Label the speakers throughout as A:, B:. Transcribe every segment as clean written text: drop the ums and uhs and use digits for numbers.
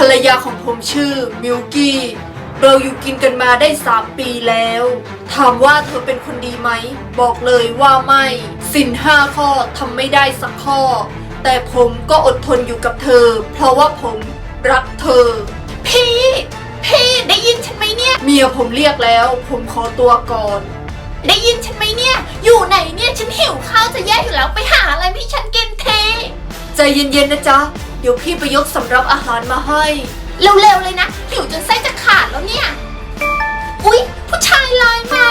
A: รยาของผมชื่อมิลกี้เราอยู่กินกันมาได้3 ปีแล้วถามว่าเธอเป็นคนดีไหมบอกเลยว่าไม่ศีล5 ข้อทำไม่ได้สักข้อแต่ผมก็อดทนอยู่กับเธอเพราะว่าผมรักเธอพี่ได้ยินฉันไหมเนี่ยเมียผมเรียกแล้วผมขอตัวก่อนได้ยินฉันไหมเนี่ยอยู่ไหนเนี่ยฉันหิวข้าวจะแย่อยู่แล้วไปหาอะไรให้ฉันกินเทใจเย็นๆนะจ๊ะเดี๋ยวพี่ไปยกสำรับอาหารมาให้เร็วๆเลยนะหิวจนไส้จะขาดแล้วเนี่ยอุ๊ยผู้ชายไลน์มา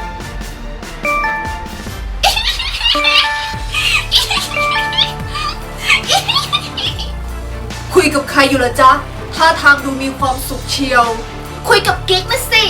A: คุยกับใครอยู่ล่ะจ๊ะท่าทางดูมีความสุขเชียวคุยกับกิ๊กนะสิ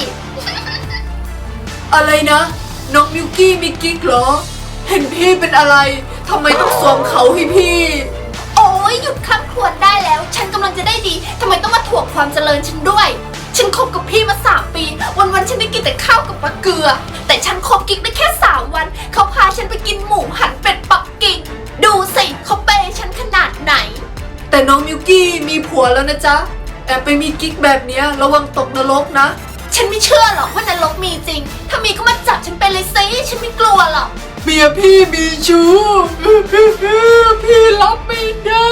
A: อะไรนะน้องมิวกี้มีกิ๊กเหรอเห็นพี่เป็นอะไรทำไมต้องสวมเขาให้พี่โอ้ยหยุดคำครวญได้แล้วฉันกำลังจะได้ดีทำไมต้องมาถ่วงความเจริญฉันด้วยฉันคบกับพี่มา3 ปีวันๆฉันได้กินแต่ข้าวกับปลาเกลือแต่ฉันคบกิ๊กได้แค่3 วันเขาพาฉันไปกินหมูหันเป็ดปักกิ่งดูสิเขาเปย์ฉันขนาดไหนแต่น้องมิวกี้มีผัวแล้วนะจ๊ะแอบไปมีกิ๊กแบบเนี้ยระวังตกนรกนะฉันไม่เชื่อหรอกว่านรกมีจริงถ้ามีก็มาจับฉันไปเลยสิฉันไม่กลัวหรอกเมียพี่มีชู้พี่รับไม่ได้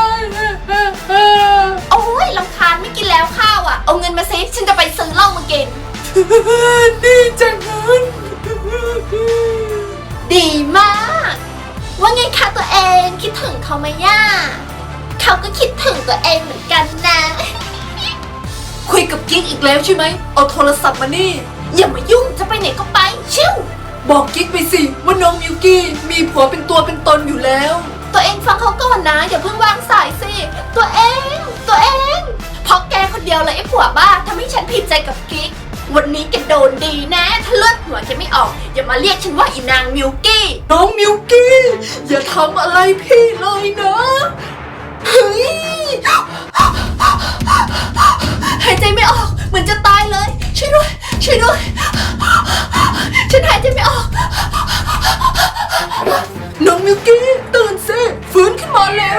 A: โอ้ยรำคาญไม่กินแล้วข้าวอ่ะเอาเงินมาสิฉันจะไปซื้อเหล้ามากินดีจังเลยดีมากว่าไงคะตัวเองคิดถึงเขาไหมย่าเขาก็คิดถึงตัวเองเหมือนกันนะคุยกับกิ๊กอีกแล้วใช่ไหมเอาโทรศัพท์มานี่อย่ามายุ่งจะไปไหนก็ไปชิวบอกกิ๊กไปสิว่าน้องมิวกี้มีผัวเป็นตัวเป็นตนอยู่แล้วตัวเองฟังเขาก่อนนะอย่าเพิ่งวางสายสิตัวเองเพราะแกคนเดียวเลยไอ้ผัวบ้าทำให้ฉันผิดใจกับกิ๊กวันนี้แกโดนดีนะถ้าเลือดหัวแกไม่ออกอย่ามาเรียกฉันว่าอีนางมิวกี้น้องมิวกี้อย่าทำอะไรพี่เลยนะเฮ้ยหายใจไม่ออกเหมือนจะตายเลยช่วยด้วยฉันหายใจไม่ออกน้องมิวกี้ตื่นสิฟื้นขึ้นมาแล้ว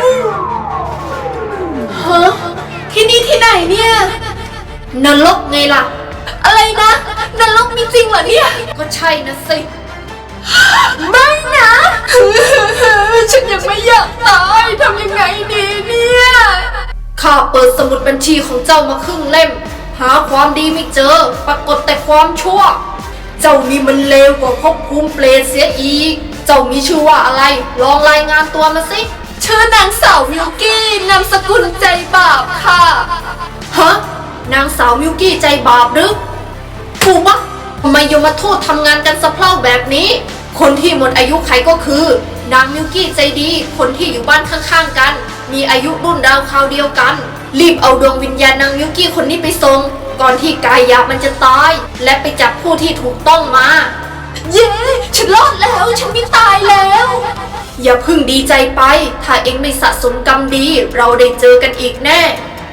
A: ฮะที่นี่ที่ไหนเนี่ยนรกไงล่ะอะไรนะนรกมีจริงเหรอเนี่ยก็ใช่นะสิไม่นะฉันยังไม่อยากตายทำยังไงดีเนี่ยข้าเปิดสมุดบัญชีของเจ้ามาครึ่งเล่มหาความดีไม่เจอปรากฏแต่ความชั่วเจ้านี่มันเลวกว่าภพภูมิเปรตเสียอีกเจ้ามีชื่อว่าอะไรลองรายงานตัวมาสิชื่อนางสาวมิวกี้นามสกุลใจบาปค่ะฮะนางสาวมิวกี้ใจบาปหรือถูกปะทำไมยมทูตทำงานกันสะเพร่าแบบนี้คนที่หมดอายุไขก็คือนางมิวกี้ใจดีคนที่อยู่บ้านข้างๆกันมีอายุรุ่นราวคราวเดียวกันรีบเอาดวงวิญญาณนางมิวกี้คนนี้ไปส่งก่อนที่กายหยาบมันจะตายและไปจับผู้ที่ถูกต้องมาเย้ฉันรอดแล้วฉันไม่ตายแล้วอย่าพึ่งดีใจไปถ้าเองไม่สะสมกรรมดีเราได้เจอกันอีกแน่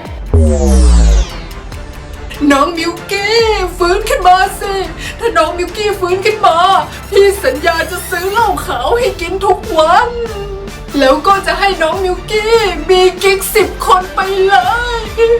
A: น้องมิวกี้ฟื้นขึ้นมาสิถ้าน้องมิวกี้ฟื้นขึ้นมาพี่สัญญาจะซื้อเหล้าขาวให้กินทุกวันแล้วก็จะให้น้องมิวกี้มีกิ๊ก10 คนไปเลย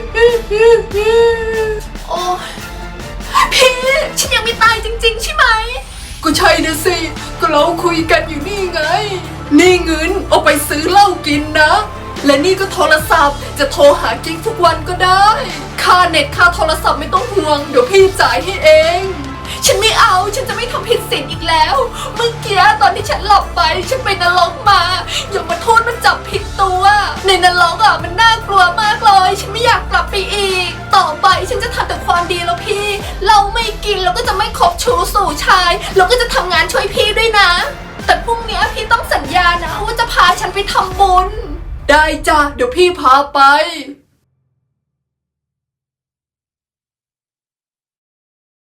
A: โอ้พี่ฉันยังไม่ตายจริงๆใช่ไหมก็ใช่นะสิก็เราคุยกันอยู่นี่ไงนี่เงินเอาไปซื้อเหล้ากินนะและนี่ก็โทรศัพท์จะโทรหากิ๊กทุกวันก็ได้ค่าเน็ตค่าโทรศัพท์ไม่ต้องห่วงเดี๋ยวพี่จ่ายให้เองฉันไม่เอาฉันจะไม่ทำผิดศีลอีกแล้วเมื่อกี้ตอนที่ฉันหลับไปฉันไปนรกมาอย่ามาโทษมันจับผิดตัวในนรกมันน่ากลัวมากเลยฉันไม่อยากกลับไปอีกต่อไปฉันจะทำแต่ความดีแล้วพี่เราไม่กินเราก็จะไม่คบชู้สู่ชายเราก็จะทำงานช่วยพี่ด้วยนะแต่พรุ่งนี้พี่ต้องสัญญานะว่าจะพาฉันไปทำบุญได้จ้ะเดี๋ยวพี่พาไป